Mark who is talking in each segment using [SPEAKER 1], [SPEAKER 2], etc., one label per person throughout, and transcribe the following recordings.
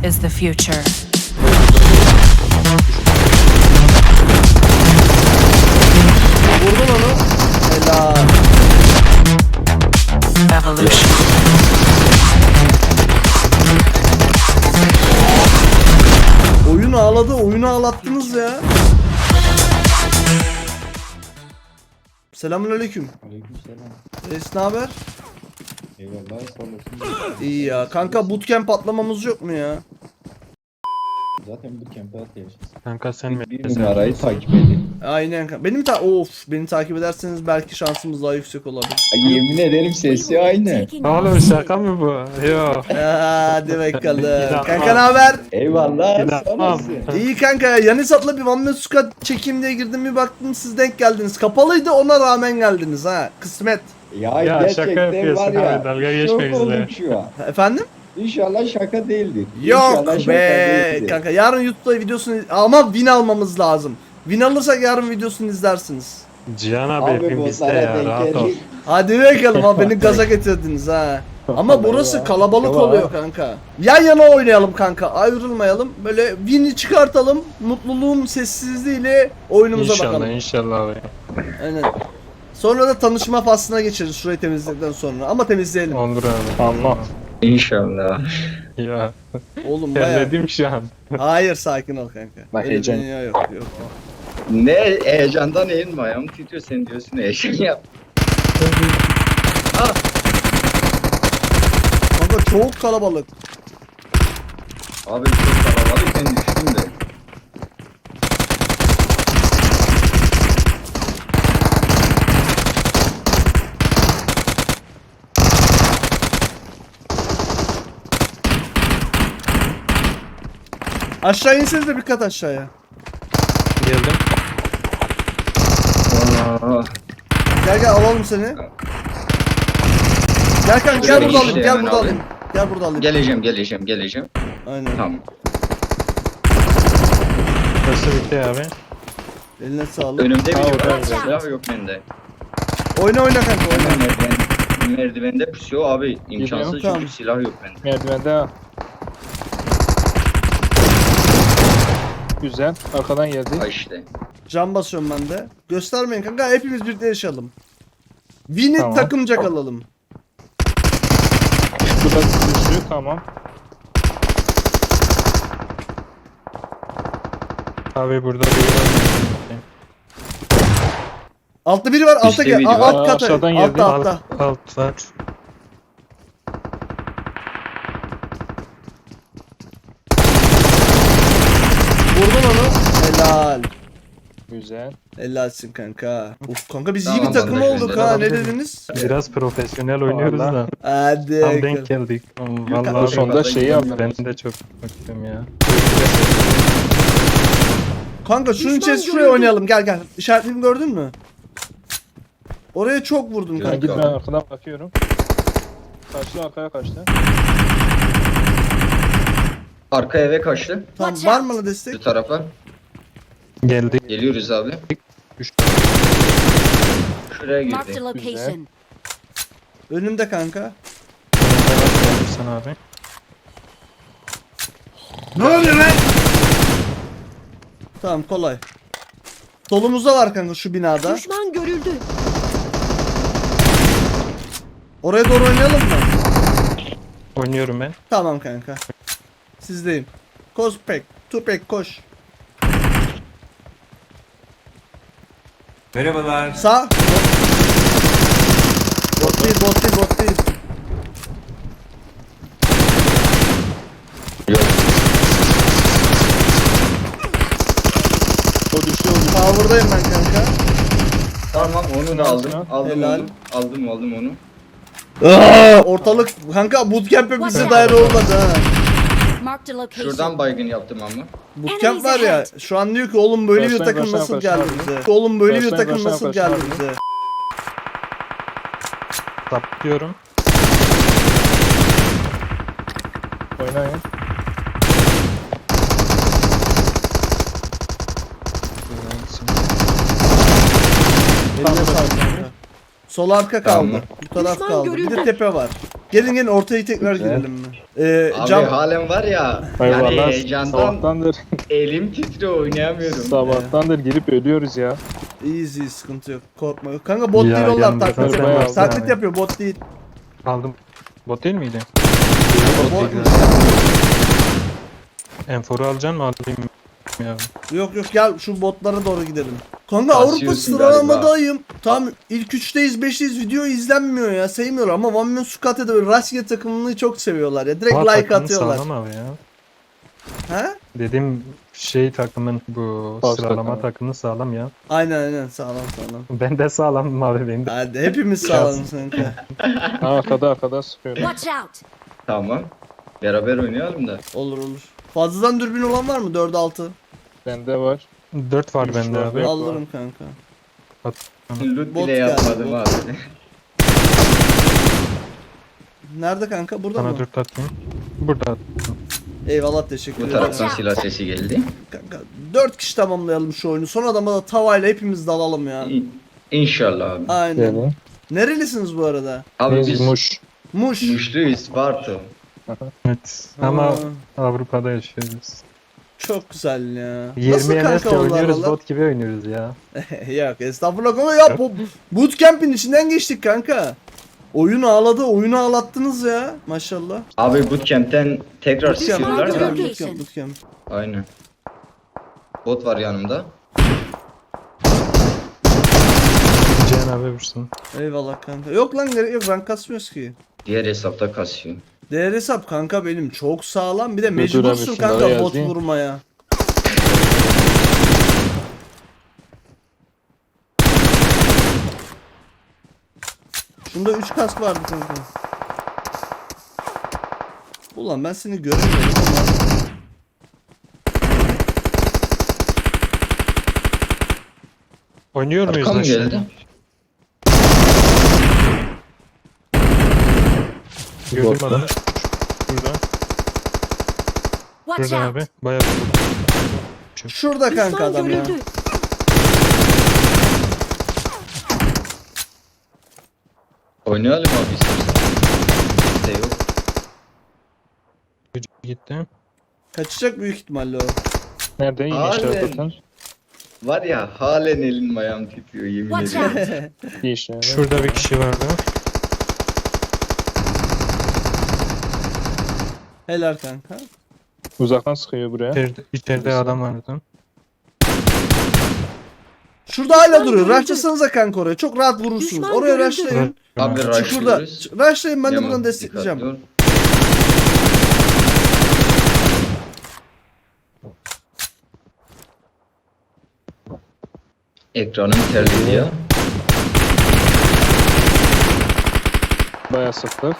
[SPEAKER 1] is the future.
[SPEAKER 2] Vurdun onu. Helal.
[SPEAKER 1] Evolution.
[SPEAKER 2] Oyun ağladı, oyunu ağlattınız ya. Selamünaleyküm.
[SPEAKER 3] Aleykümselam.
[SPEAKER 2] Reis ne haber?
[SPEAKER 3] Eyvallah sağ olasın.
[SPEAKER 2] İyi ya. Kanka bootcamp patlamamız yok mu ya?
[SPEAKER 3] Zaten bu kempe atlayacağız.
[SPEAKER 4] Kanka sen mi?
[SPEAKER 3] Bir numarayı takip edin.
[SPEAKER 2] Aynen kanka. Beni takip ederseniz belki şansımız daha yüksek olabilir.
[SPEAKER 3] Ay, yemin ederim sesi aynı.
[SPEAKER 4] Oğlum şaka mı bu? Yok.
[SPEAKER 2] Hadi bakalım.
[SPEAKER 4] İnanmam.
[SPEAKER 2] Kanka ne haber?
[SPEAKER 3] Eyvallah sağ
[SPEAKER 4] İnanmam.
[SPEAKER 3] olasın.
[SPEAKER 2] İyi kanka ya. Yanisat'la bir One Man Squad çekeyim diye girdim, bir baktım siz denk geldiniz. Kapalıydı, ona rağmen geldiniz ha. Kısmet.
[SPEAKER 3] Ya,
[SPEAKER 4] Ya, şaka
[SPEAKER 3] gerçekten
[SPEAKER 4] yapıyorsun
[SPEAKER 3] var ya.
[SPEAKER 4] abi, dalga
[SPEAKER 3] şok
[SPEAKER 4] geçme
[SPEAKER 3] oldum
[SPEAKER 4] bizle.
[SPEAKER 3] şu an.
[SPEAKER 2] Efendim?
[SPEAKER 3] İnşallah şaka değildir.
[SPEAKER 2] Yok
[SPEAKER 3] İnşallah şaka
[SPEAKER 2] be
[SPEAKER 3] değildir.
[SPEAKER 2] kanka, yarın YouTube'da videosunu ama win almamız lazım. Win alırsak yarın videosunu izlersiniz.
[SPEAKER 4] Cihan abi
[SPEAKER 3] Abi
[SPEAKER 4] hepim
[SPEAKER 3] bu
[SPEAKER 4] bizde
[SPEAKER 3] sana
[SPEAKER 4] ya,
[SPEAKER 3] denk
[SPEAKER 4] rahat ol.
[SPEAKER 3] gelir.
[SPEAKER 2] Hadi bakalım abi, beni gaza getirdiniz ha. Ama burası
[SPEAKER 3] Eyvah.
[SPEAKER 2] kalabalık
[SPEAKER 3] Eyvah.
[SPEAKER 2] oluyor kanka. Yan yana oynayalım kanka, ayrılmayalım. Böyle win'i çıkartalım, mutluluğun sessizliğiyle oyunumuza
[SPEAKER 4] İnşallah
[SPEAKER 2] bakalım.
[SPEAKER 4] inşallah abi.
[SPEAKER 2] Aynen. Sonra da tanışma faslına geçeriz şurayı temizledikten sonra. Ama temizleyelim.
[SPEAKER 4] Olur abi. Allah.
[SPEAKER 3] İnşallah.
[SPEAKER 4] Ya
[SPEAKER 2] Oğlum bayağı.
[SPEAKER 4] terledim şu an.
[SPEAKER 2] Hayır, sakin ol kanka.
[SPEAKER 3] Bak,
[SPEAKER 2] Öyle
[SPEAKER 3] heyecan.
[SPEAKER 2] dünya yok yok.
[SPEAKER 3] Ne heyecandan elin ayağım titriyor, sen diyorsun heyecan yap.
[SPEAKER 2] Kanka çok kalabalık.
[SPEAKER 3] Abi çok kalabalık, ben düştüm de.
[SPEAKER 2] Aşağı inseniz de bir kat aşağıya.
[SPEAKER 4] Geldim.
[SPEAKER 3] Aa,
[SPEAKER 2] Gel gel alalım seni. Gel kanka, gel
[SPEAKER 3] Şöyle
[SPEAKER 2] burada alayım,
[SPEAKER 3] işte
[SPEAKER 2] gel
[SPEAKER 3] hemen
[SPEAKER 2] burada
[SPEAKER 3] alayım.
[SPEAKER 2] alayım. Gel burada alayım.
[SPEAKER 3] geleceğim.
[SPEAKER 2] Aynen.
[SPEAKER 3] Tamam.
[SPEAKER 4] Burası bitti abi.
[SPEAKER 2] Eline sağlık.
[SPEAKER 3] Önümde biri
[SPEAKER 4] orada
[SPEAKER 3] var.
[SPEAKER 1] güzel.
[SPEAKER 3] Silah yok bende.
[SPEAKER 2] Oyna oyna kanka, oyna.
[SPEAKER 3] Merdivende pusuyor abi. İmkansız
[SPEAKER 2] Tamam.
[SPEAKER 3] çünkü silah yok bende.
[SPEAKER 5] Merdivende. Güzel. Arkadan geldi.
[SPEAKER 3] Ha işte.
[SPEAKER 2] Can basıyorum ben de. Göstermeyin kanka, hepimiz birlikte yaşayalım. Win'i
[SPEAKER 5] Tamam.
[SPEAKER 2] takımca kalalım.
[SPEAKER 5] Burada düştü. Tamam.
[SPEAKER 4] Abi burada bir var.
[SPEAKER 2] Altta biri var, altta
[SPEAKER 3] İşte
[SPEAKER 2] gel.
[SPEAKER 3] biri
[SPEAKER 2] Alt
[SPEAKER 3] var.
[SPEAKER 2] kata.
[SPEAKER 5] Aşağıdan
[SPEAKER 2] Altta
[SPEAKER 5] geldi.
[SPEAKER 2] altta.
[SPEAKER 4] Altta.
[SPEAKER 2] Vurdun onu. Helal.
[SPEAKER 5] Güzel.
[SPEAKER 2] Helalsin kanka. Uf kanka biz iyi
[SPEAKER 3] Tamam,
[SPEAKER 2] bir takım
[SPEAKER 3] anlaşıldı.
[SPEAKER 2] olduk ha, ne dediniz?
[SPEAKER 4] Biraz profesyonel oynuyoruz da.
[SPEAKER 5] Vallahi.
[SPEAKER 2] Hadi.
[SPEAKER 4] Tam
[SPEAKER 2] bakalım.
[SPEAKER 4] denk geldik.
[SPEAKER 2] kanka,
[SPEAKER 4] Vallahi
[SPEAKER 5] sonda şeyi yaptım.
[SPEAKER 4] Ben de çok baktım ya.
[SPEAKER 2] Kanka şunun
[SPEAKER 1] Düşman
[SPEAKER 2] içerisi şuraya
[SPEAKER 1] görüldü.
[SPEAKER 2] oynayalım, gel gel. İşaretimi gördün mü? Oraya çok vurdum
[SPEAKER 3] Güzel.
[SPEAKER 5] Ben
[SPEAKER 2] kanka.
[SPEAKER 5] git, ben arkadan bakıyorum. Kaçtı, arkaya kaçtı.
[SPEAKER 3] Arka eve kaçtı.
[SPEAKER 2] Tamam,
[SPEAKER 1] Watch
[SPEAKER 2] var
[SPEAKER 1] out.
[SPEAKER 2] mı la
[SPEAKER 3] Bu
[SPEAKER 2] destek?
[SPEAKER 3] tarafa.
[SPEAKER 4] Geldi.
[SPEAKER 3] Geliyoruz abi.
[SPEAKER 4] Düştü.
[SPEAKER 3] Şuraya
[SPEAKER 1] Marked a
[SPEAKER 3] girdi.
[SPEAKER 1] location.
[SPEAKER 2] Önümde kanka.
[SPEAKER 4] Sen abi.
[SPEAKER 2] Ne oluyor lan? Tamam, kolay. Solumuzda var kanka, şu binada.
[SPEAKER 1] Düşman görüldü.
[SPEAKER 2] Oraya doğru oynayalım mı?
[SPEAKER 4] Oynuyorum ben.
[SPEAKER 2] Tamam kanka. Sizdeyim. Koş pek. Tupek koş.
[SPEAKER 6] Merhabalar.
[SPEAKER 2] Sağ. Bot değil, bot değil, bot değil.
[SPEAKER 3] Yok.
[SPEAKER 5] O düştü, o düştü.
[SPEAKER 2] Power'dayım ben kanka.
[SPEAKER 3] Tamam onu da aldım.
[SPEAKER 5] Helal.
[SPEAKER 3] Aldım
[SPEAKER 2] Helal.
[SPEAKER 3] aldım onu.
[SPEAKER 2] Ortalık kanka bootcamp'e bize
[SPEAKER 1] Watch
[SPEAKER 2] dair
[SPEAKER 1] out.
[SPEAKER 2] olmadı ha.
[SPEAKER 1] Marked a location.
[SPEAKER 3] Şuradan baygın yaptım ama.
[SPEAKER 2] Bootcamp var ya, şu an diyor ki oğlum böyle bir
[SPEAKER 5] Başlayın,
[SPEAKER 2] takım
[SPEAKER 5] başlayın,
[SPEAKER 2] nasıl
[SPEAKER 5] başlayın.
[SPEAKER 2] geldi bize? Oğlum böyle bir
[SPEAKER 5] Başlayın,
[SPEAKER 2] takım
[SPEAKER 5] başlayın,
[SPEAKER 2] nasıl
[SPEAKER 5] başlayın.
[SPEAKER 2] geldi bize?
[SPEAKER 4] Saplıyorum.
[SPEAKER 5] Oynayın.
[SPEAKER 2] Eline sağlık kanka. Sol arka kaldı.
[SPEAKER 3] Tamam.
[SPEAKER 2] Bu taraf
[SPEAKER 1] Düşman
[SPEAKER 2] kaldı. Bir de
[SPEAKER 1] görüldü.
[SPEAKER 2] tepe var. Gelin ortaya tekrar
[SPEAKER 5] Güzel.
[SPEAKER 2] girelim mi?
[SPEAKER 3] Abi
[SPEAKER 2] Cam
[SPEAKER 3] halen var ya.
[SPEAKER 5] Eyvallah.
[SPEAKER 3] Yani heyecandan
[SPEAKER 5] Sabahtandır.
[SPEAKER 3] elim titriyor, oynayamıyorum.
[SPEAKER 5] Sabahtandır girip ölüyoruz ya.
[SPEAKER 2] iyiyiz iyi, sıkıntı yok. Korkma yok. Kanka bot
[SPEAKER 4] Ya,
[SPEAKER 2] değil onlar,
[SPEAKER 4] yanımda
[SPEAKER 2] taklit
[SPEAKER 5] sen
[SPEAKER 2] yapıyor.
[SPEAKER 5] varsın
[SPEAKER 2] Taklit
[SPEAKER 4] abi.
[SPEAKER 2] yapıyor, bot değil.
[SPEAKER 4] Aldım. Bot değil miydi?
[SPEAKER 2] Bot
[SPEAKER 4] değil. Enforu alacaksın mı alayım ya?
[SPEAKER 2] Yok yok, gel şu botlara doğru gidelim. Kanka
[SPEAKER 3] Kasıyorsun
[SPEAKER 2] Avrupa sıralamadayım. Tam ilk 3'teyiz 5'teyiz, video izlenmiyor ya, sevmiyorlar ama One Man Squad'da böyle rastgele takımını çok seviyorlar ya. Direkt
[SPEAKER 4] Aa,
[SPEAKER 2] like
[SPEAKER 4] takımın
[SPEAKER 2] atıyorlar.
[SPEAKER 4] Sağlam abi ya.
[SPEAKER 2] Ha?
[SPEAKER 4] Dedim takımın bu
[SPEAKER 5] Pas
[SPEAKER 4] sıralama
[SPEAKER 5] takımı.
[SPEAKER 4] takımı sağlam ya.
[SPEAKER 2] Aynen sağlam sağlam.
[SPEAKER 4] Ben de sağlamım abi benim de.
[SPEAKER 2] Hadi hepimiz sağlamız kanka.
[SPEAKER 5] Ha, arkada sıkıyorum.
[SPEAKER 1] Watch out!
[SPEAKER 3] Tamam. Beraber oynayalım da.
[SPEAKER 2] Olur olur. Fazladan dürbün olan var mı? 4-6.
[SPEAKER 5] Bende var.
[SPEAKER 4] 4 var
[SPEAKER 5] Üç
[SPEAKER 4] bende
[SPEAKER 5] var,
[SPEAKER 4] abi.
[SPEAKER 5] dört.
[SPEAKER 2] Alırım kanka.
[SPEAKER 3] Loot
[SPEAKER 2] Bot
[SPEAKER 3] bile
[SPEAKER 2] geldi,
[SPEAKER 3] yapmadım
[SPEAKER 2] bot.
[SPEAKER 3] abi.
[SPEAKER 2] Nerede kanka? Burada
[SPEAKER 4] Sana
[SPEAKER 2] mı?
[SPEAKER 4] 4 atayım. Burada.
[SPEAKER 2] Eyvallah, teşekkür
[SPEAKER 3] Bu
[SPEAKER 2] ederim.
[SPEAKER 3] taraftan silah sesi geldi.
[SPEAKER 2] Kanka 4 kişi tamamlayalım şu oyunu. Son adama da tavayla hepimiz dalalım ya.
[SPEAKER 3] İnşallah abi.
[SPEAKER 2] Aynen.
[SPEAKER 5] Yani.
[SPEAKER 2] Nerelisiniz bu arada?
[SPEAKER 3] Abi biz
[SPEAKER 5] Muş.
[SPEAKER 2] Muş.
[SPEAKER 3] Muşluyuz, Sparta.
[SPEAKER 4] Evet. Ama
[SPEAKER 2] Aa,
[SPEAKER 4] Avrupa'da yaşıyoruz.
[SPEAKER 2] çok güzel ya.
[SPEAKER 4] 20 MS
[SPEAKER 2] onlar
[SPEAKER 4] oynuyoruz,
[SPEAKER 2] oralar?
[SPEAKER 4] bot gibi oynuyoruz ya.
[SPEAKER 2] Yok estağfurullah ama ya bu bootcamp'in içinden geçtik kanka. Oyun ağladı, oyunu ağlattınız ya maşallah.
[SPEAKER 3] Abi bootcamp'ten tekrar
[SPEAKER 2] Bootcamp,
[SPEAKER 3] sıkıyorlar da.
[SPEAKER 1] Bootcamp.
[SPEAKER 2] bootcamp, bootcamp.
[SPEAKER 3] Aynen. Bot var yanımda.
[SPEAKER 4] Cihan abi vursun.
[SPEAKER 2] Eyvallah kanka. Yok lan, gerek yok, rank kasmıyoruz ki.
[SPEAKER 3] Diğer hesapta kasıyor.
[SPEAKER 2] Değer hesap kanka benim çok sağlam, bir de
[SPEAKER 5] Dur
[SPEAKER 2] mecbursun
[SPEAKER 5] abi, şunları
[SPEAKER 2] kanka bot
[SPEAKER 5] yazayım.
[SPEAKER 2] vurmaya. Şunda 3 kask vardı kanka. Ulan ben seni göremiyorum ama.
[SPEAKER 4] Oynuyor muyuz
[SPEAKER 3] Arkam
[SPEAKER 4] aşağı?
[SPEAKER 3] geldi.
[SPEAKER 4] Gördüm
[SPEAKER 5] Botla.
[SPEAKER 4] adamı. Burada.
[SPEAKER 1] Watch
[SPEAKER 4] Burada
[SPEAKER 1] out!
[SPEAKER 4] abi. Bayağı bir
[SPEAKER 2] Şurada kanka adam ya.
[SPEAKER 1] görüldü.
[SPEAKER 3] Oynayalım abi istersen. İşte yok.
[SPEAKER 4] çocuk gitti.
[SPEAKER 2] Kaçacak büyük ihtimalle o.
[SPEAKER 5] Nerede? Yine
[SPEAKER 3] Halen.
[SPEAKER 5] işaret atan.
[SPEAKER 3] Var ya halen elim ayağım titriyor yemin
[SPEAKER 1] Watch
[SPEAKER 3] ederim.
[SPEAKER 1] out!
[SPEAKER 5] Bir işaret.
[SPEAKER 4] Şurada bir kişi vardı.
[SPEAKER 2] Helal kanka.
[SPEAKER 5] Uzaktan sıkıyor buraya.
[SPEAKER 4] İçeride adam vardı.
[SPEAKER 2] Şurada hala duruyor. Rushlasanıza kanka oraya. Çok rahat vurursunuz.
[SPEAKER 1] Düşman
[SPEAKER 2] Oraya
[SPEAKER 1] görüldü.
[SPEAKER 2] rushlayın.
[SPEAKER 3] Abi
[SPEAKER 2] Çukurda.
[SPEAKER 3] rushlıyoruz.
[SPEAKER 2] Rushlayın, ben de
[SPEAKER 3] Yaman,
[SPEAKER 2] buradan destekleyeceğim.
[SPEAKER 3] dikkatli ol. Ekranım terledi ya.
[SPEAKER 5] Bayağı sıktık.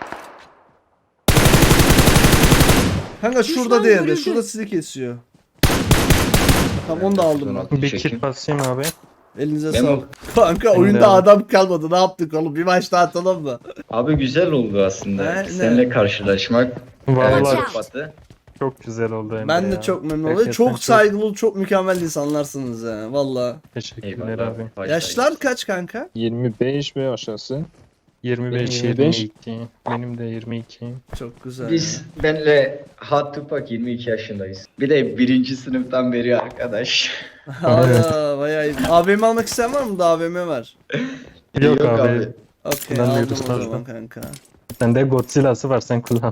[SPEAKER 2] Kanka şurada
[SPEAKER 1] Düşman
[SPEAKER 2] diğeri de.
[SPEAKER 1] görüldü.
[SPEAKER 2] Şurada sizi kesiyor. Tamam, onu da aldım ben.
[SPEAKER 4] Bir kit basayım abi.
[SPEAKER 2] Elinize
[SPEAKER 3] Memo.
[SPEAKER 2] sağlık. Kanka
[SPEAKER 4] Benim
[SPEAKER 2] oyunda
[SPEAKER 4] de.
[SPEAKER 2] adam kalmadı. Ne yaptık oğlum? Bir maç daha atalım mı?
[SPEAKER 3] Abi güzel oldu aslında.
[SPEAKER 2] Ne?
[SPEAKER 3] Seninle karşılaşmak.
[SPEAKER 4] Vallahi
[SPEAKER 1] Watch out.
[SPEAKER 3] Batı.
[SPEAKER 4] çok güzel oldu Emre
[SPEAKER 2] Ben de
[SPEAKER 4] ya.
[SPEAKER 2] çok memnun oldum.
[SPEAKER 4] Gerçekten
[SPEAKER 2] Çok saygılı, çok mükemmel insanlarsınız ya. Valla.
[SPEAKER 4] Teşekkürler
[SPEAKER 3] Eyvallah
[SPEAKER 4] abi.
[SPEAKER 3] abi.
[SPEAKER 2] Yaşlar kaç kanka?
[SPEAKER 5] 25 ve aşağısı.
[SPEAKER 4] 25,
[SPEAKER 5] 25.
[SPEAKER 4] 22. Benim de 22.
[SPEAKER 2] Çok güzel.
[SPEAKER 3] Biz benle Hot Tupac 22 yaşındayız. Bir de birinci sınıftan beri arkadaş.
[SPEAKER 2] Hala bayağı iyi. AVM almak isteyen var mı? Da AVM var.
[SPEAKER 4] Yok abi.
[SPEAKER 2] Okey,
[SPEAKER 4] Kullanmıyoruz
[SPEAKER 2] aldım o
[SPEAKER 4] fazla.
[SPEAKER 2] zaman kanka.
[SPEAKER 4] Sende Godzilla'sı var, sen kullan.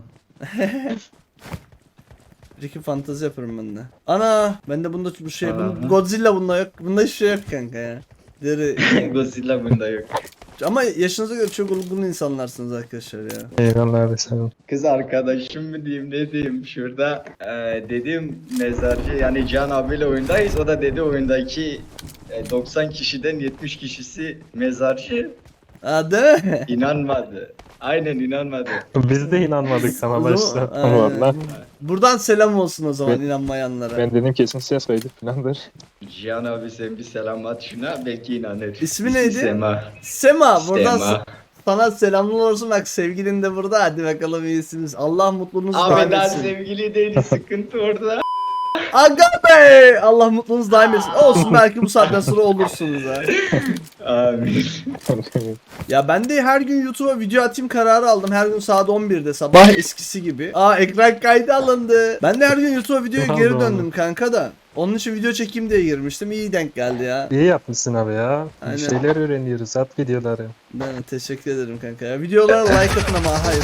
[SPEAKER 2] Bir fantezi yaparım ben de. Ana! Bende bunda bu şey,
[SPEAKER 3] Ana.
[SPEAKER 2] Godzilla bunda yok. Bunda hiçbir şey yok kanka ya. Deri.
[SPEAKER 3] Godzilla bunda yok.
[SPEAKER 2] Ama yaşınıza göre çok olgun insanlarsınız arkadaşlar ya.
[SPEAKER 4] Eyvallah abi sen ol.
[SPEAKER 3] Kız arkadaşım mı diyeyim ne diyeyim şurada dedim mezarcı yani Can abiyle oyundayız, o da dedi oyundaki 90 kişiden 70 kişisi mezarcı,
[SPEAKER 2] Aa, değil mi?
[SPEAKER 3] inanmadı. Aynen inanmadı.
[SPEAKER 4] Biz de inanmadık ama
[SPEAKER 2] O zaman-
[SPEAKER 4] başta.
[SPEAKER 2] Aynen.
[SPEAKER 5] Vallahi.
[SPEAKER 2] Buradan selam olsun o zaman
[SPEAKER 5] Ben-
[SPEAKER 2] inanmayanlara.
[SPEAKER 5] Ben dedim kesin ses kaydı falandır.
[SPEAKER 3] Cihan abi sen bir selam at şuna belki inanır.
[SPEAKER 2] İsmi neydi?
[SPEAKER 3] Sema.
[SPEAKER 2] Sema, buradan
[SPEAKER 3] Sema.
[SPEAKER 2] sana selamlar olsun, bak sevgilin de burada, hadi bakalım iyisiniz. Allah mutluluğunuzu daim
[SPEAKER 3] Abi daha
[SPEAKER 2] etsin.
[SPEAKER 3] sevgili değil sıkıntı orada.
[SPEAKER 2] Aga be! Allah mutluluğunuz daim etsin. Olsun belki bu saatten sonra olursunuz ha.
[SPEAKER 3] Amin.
[SPEAKER 2] Ya ben de her gün YouTube'a video atayım kararı aldım. Her gün saat 11'de sabah eskisi gibi. Ekran kaydı alındı. Ben de her gün YouTube'a videoya geri
[SPEAKER 4] Allah
[SPEAKER 2] döndüm kanka da. Onun için video çekeyim diye girmiştim. İyi denk geldi ya.
[SPEAKER 4] İyi yapmışsın abi ya.
[SPEAKER 2] Aynen.
[SPEAKER 4] Bir şeyler öğreniyoruz. At videoları.
[SPEAKER 2] Ben teşekkür ederim kanka ya. Videolara like atın ama hayır.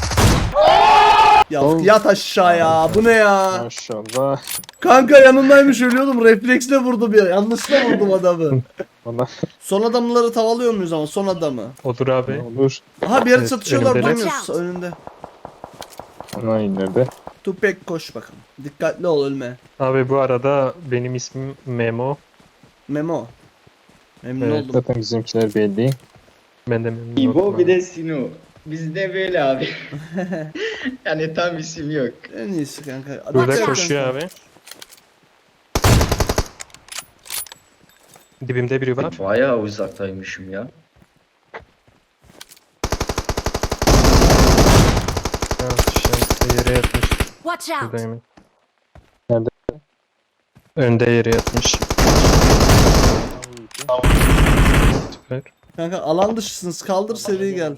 [SPEAKER 2] Yat aşağıya. Bu ne ya?
[SPEAKER 5] Maşallah.
[SPEAKER 2] Kanka yanındaymış ölüyordum. Refleksle vurdum ya. Yanlışla vurdum adamı.
[SPEAKER 5] Valla
[SPEAKER 2] Son adamları tavalıyor muyuz ama son adamı?
[SPEAKER 4] Olur abi.
[SPEAKER 5] olur.
[SPEAKER 2] Aha bir yere
[SPEAKER 4] Evet,
[SPEAKER 2] çatışıyorlar
[SPEAKER 4] önümdeler.
[SPEAKER 2] duymuyoruz önünde.
[SPEAKER 5] Ana nerede?
[SPEAKER 2] Tupek koş bakalım. Dikkatli ol ölme.
[SPEAKER 4] Abi bu arada benim ismim Memo.
[SPEAKER 2] Memo. Memnun
[SPEAKER 4] Evet,
[SPEAKER 2] oldum.
[SPEAKER 5] Zaten bizimkiler belli.
[SPEAKER 4] Ben de memnun
[SPEAKER 3] İbo
[SPEAKER 4] oldum
[SPEAKER 3] bir
[SPEAKER 4] abi.
[SPEAKER 3] de Sino. Bizde böyle abi. Yani tam isim yok.
[SPEAKER 2] En iyisi kanka.
[SPEAKER 4] Burada
[SPEAKER 2] Dikkat
[SPEAKER 4] koşuyor
[SPEAKER 2] et.
[SPEAKER 4] abi. Dibimde biri var.
[SPEAKER 3] Bayağı uzaktaymışım ya.
[SPEAKER 4] Ha, şey, yere yatmış.
[SPEAKER 1] Watch out!
[SPEAKER 4] Buradayım.
[SPEAKER 5] Nerede?
[SPEAKER 4] Önde yere yatmış. Süper.
[SPEAKER 2] Kanka alan dışısınız. Kaldır seri gel.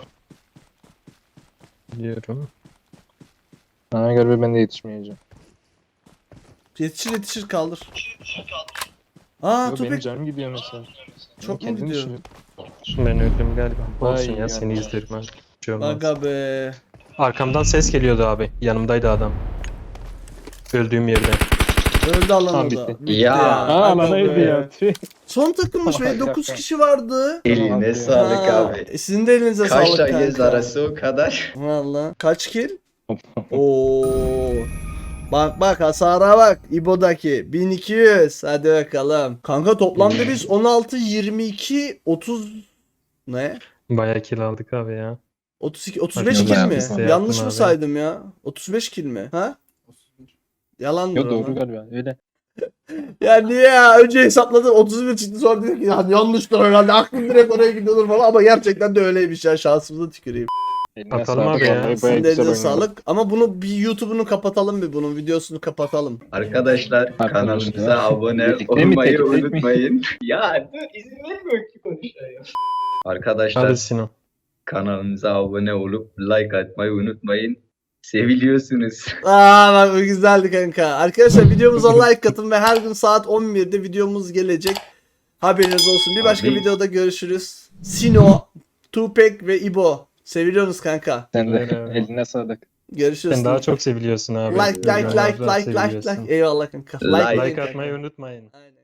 [SPEAKER 4] Biliyorum.
[SPEAKER 5] Bana göre ben de yetişmeyeceğim.
[SPEAKER 2] Yetişir kaldır. Aa
[SPEAKER 5] Yo, benim
[SPEAKER 2] Tupek
[SPEAKER 5] canım gidiyor mesela.
[SPEAKER 2] çok mu
[SPEAKER 5] Kendim
[SPEAKER 2] gidiyor?
[SPEAKER 5] düşünüyorum.
[SPEAKER 4] Ben öldüm galiba. Olsun
[SPEAKER 5] Vay
[SPEAKER 4] ya seni
[SPEAKER 5] ya.
[SPEAKER 4] izlerim abi. Bir şey olmaz.
[SPEAKER 2] Aga be.
[SPEAKER 4] Arkamdan ses geliyordu abi. Yanımdaydı adam. Öldüğüm yerde.
[SPEAKER 2] Öldü alan
[SPEAKER 5] Tamam,
[SPEAKER 2] o da.
[SPEAKER 5] bitti.
[SPEAKER 2] Bitti
[SPEAKER 3] Ya.
[SPEAKER 5] Aa
[SPEAKER 2] Aga
[SPEAKER 5] alanaydı
[SPEAKER 2] be.
[SPEAKER 5] ya. Tüh.
[SPEAKER 2] Son takımmış be. 9 kişi vardı.
[SPEAKER 3] Eline sağlık
[SPEAKER 2] Ha,
[SPEAKER 3] abi.
[SPEAKER 2] Sizin de elinize
[SPEAKER 3] Kaç
[SPEAKER 2] sağlık
[SPEAKER 3] da göz
[SPEAKER 2] kanka.
[SPEAKER 3] arası o kadar.
[SPEAKER 2] Valla. Kaç kill? Oo. Bak hasara bak. İbo'daki 1200. Hadi bakalım. Kanka toplamda biz 16 22 30 ne?
[SPEAKER 4] Bayağı kill aldık abi ya.
[SPEAKER 2] 32 35
[SPEAKER 5] Bakın
[SPEAKER 2] kill
[SPEAKER 5] bayağı
[SPEAKER 2] mi?
[SPEAKER 5] biz de
[SPEAKER 2] Yanlış
[SPEAKER 4] yaptım
[SPEAKER 2] mı
[SPEAKER 4] abi.
[SPEAKER 2] saydım ya? 35 kill mi? Ha? Yalandır
[SPEAKER 5] Yo doğru
[SPEAKER 2] ama.
[SPEAKER 5] galiba öyle.
[SPEAKER 2] Ya niye ya? Önce hesapladım 31 çıktı sonra dedim ki ya yanlıştır herhalde aklım direkt oraya gidiyordur falan ama gerçekten de öyleymiş ya şansımıza tüküreyim.
[SPEAKER 5] Eline
[SPEAKER 4] Atalım
[SPEAKER 5] sağlık,
[SPEAKER 4] abi ya.
[SPEAKER 5] vallahi bayağı
[SPEAKER 2] Sizin de
[SPEAKER 5] güzel
[SPEAKER 2] elinize
[SPEAKER 5] oynadı.
[SPEAKER 2] sağlık. Ama bunu bir YouTube'unu kapatalım bir bunun videosunu kapatalım.
[SPEAKER 3] Arkadaşlar kanalımıza
[SPEAKER 5] Arkadaşlar,
[SPEAKER 3] abone
[SPEAKER 5] birlikte mi,
[SPEAKER 3] olmayı
[SPEAKER 5] tek tek mi?
[SPEAKER 3] unutmayın. Ya dur izin vermiyor ki konuşayım. Arkadaşlar
[SPEAKER 4] Hadi Sino.
[SPEAKER 3] kanalımıza abone olup like atmayı unutmayın. Seviliyorsunuz.
[SPEAKER 2] Bak bu güzeldi kanka. Arkadaşlar videomuza like atın ve her gün saat 11'de videomuz gelecek. Haberiniz olsun. Bir başka
[SPEAKER 3] Abi.
[SPEAKER 2] videoda görüşürüz. Sino, Tupek ve İbo. Seviliyorsunuz kanka.
[SPEAKER 5] Sen de
[SPEAKER 4] Öyle abi.
[SPEAKER 5] eline sağlık.
[SPEAKER 2] Görüşürüz.
[SPEAKER 4] Sen daha çok seviliyorsun abi.
[SPEAKER 2] Like like
[SPEAKER 4] Allah
[SPEAKER 2] like
[SPEAKER 4] razı
[SPEAKER 2] like like
[SPEAKER 4] seviyorsun.
[SPEAKER 2] like. Eyvallah kanka.
[SPEAKER 3] Like
[SPEAKER 2] deyin
[SPEAKER 4] Like
[SPEAKER 2] kanka.
[SPEAKER 4] atmayı unutmayın.
[SPEAKER 2] Aynen.